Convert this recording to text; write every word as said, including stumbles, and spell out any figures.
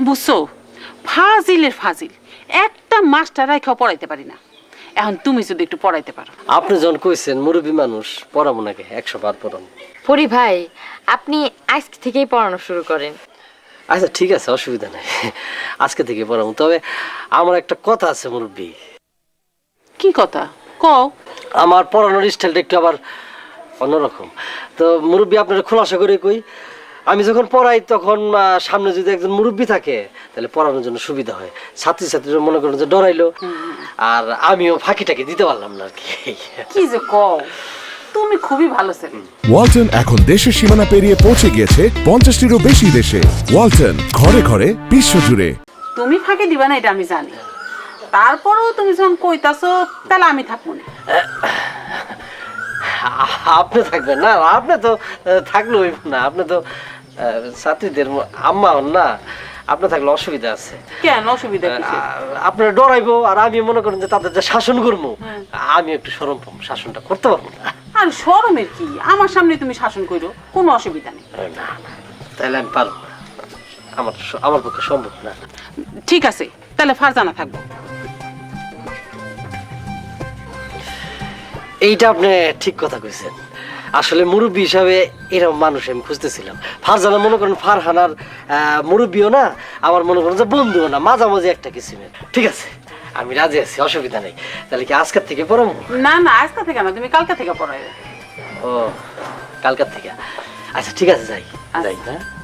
বুঝছো, ফাজিলের ফাজিল, একটা মাস্টার রাইখাও পড়াইতে পারি না। এখন তুমি যদি একটু পড়াইতে পারো। আপনি যখন কইছেন মুরব্বী মানুষ, পড়াবো নাকি, একশো বার পড়াবো। পরি ভাই, আপনি আজ থেকেই পড়ানো শুরু করেন। আচ্ছা ঠিক আছে, অসুবিধা নেই, আজকে থেকে পড়াবো। তবে আমার একটা কথা আছে মুরব্বী। কি কথা কও? আমার পড়ানোর স্টাইলটা একটু আবার অন্যরকম। তো মুরব্বী আপনারা খোলাসা করে কই, আমি যখন পড়াই তখন আহ, সামনে যদি একজন মুরব্বী থাকে তাহলে পড়ানোর জন্য সুবিধা হয়। ছাত্রী ছাত্রীরা মনে করেন যে ডরাইলো, আর আমিও ফাঁকিটাকে দিতে পারলাম না আর কি। কি যে কও, তুমি খুবই ভালো ছেলে। ওয়ালটন এখন দেশের সীমানা পেরিয়ে পৌঁছে গিয়েছে পঞ্চাশটিরও বেশি দেশে। ওয়ালটন, ঘরে ঘরে বিশ্বজুড়ে। তুমি ফাঁকি দিবা না এটা আমি জানি, তারপরেও তুমি যখন কইতাছো তাহলে আমি থাকবো না। আপনি থাকবেন না? আপনি তো আহ, থাকলে হইব না, আপনি তো আহ, ছাত্রীদের আম্মা হন না, আপনি থাকলে অসুবিধা আছে। কেন অসুবিধা কিসের? আপনার ডরাইবো আর আমি মনে করেন যে তাদের যে শাসন করবো, আমি একটু সরম পাবো, শাসনটা করতে পারবো না। আর শরমের কি, আমার সামনে তুমি শাসন করো, কোনো অসুবিধা নেই। না না, তাহলে আমি পারবো না, আমার আমার পক্ষে সম্ভব না। ঠিক আছে, তাহলে ফারজানা থাকবো। এইটা আপনি ঠিক কথা কইছেন। আসলে মুরব্বী হিসাবে এরকম মানুষ আমি খুঁজতেছিলাম। ফারজানা মনে করেন ফারহানার মুরব্বীও না, আমার মনে করেন যে বন্ধুও না, মাঝামাঝি একটা কিছু নেই। ঠিক আছে, আমি রাজি আছি, অসুবিধা নেই। তাহলে কি আজকের থেকে পড়াবো? না না, আজকে থেকে না, তুমি কালকে থেকে পড়াই। ও, কালকার থেকে? আচ্ছা ঠিক আছে, যাই যাই। হ্যাঁ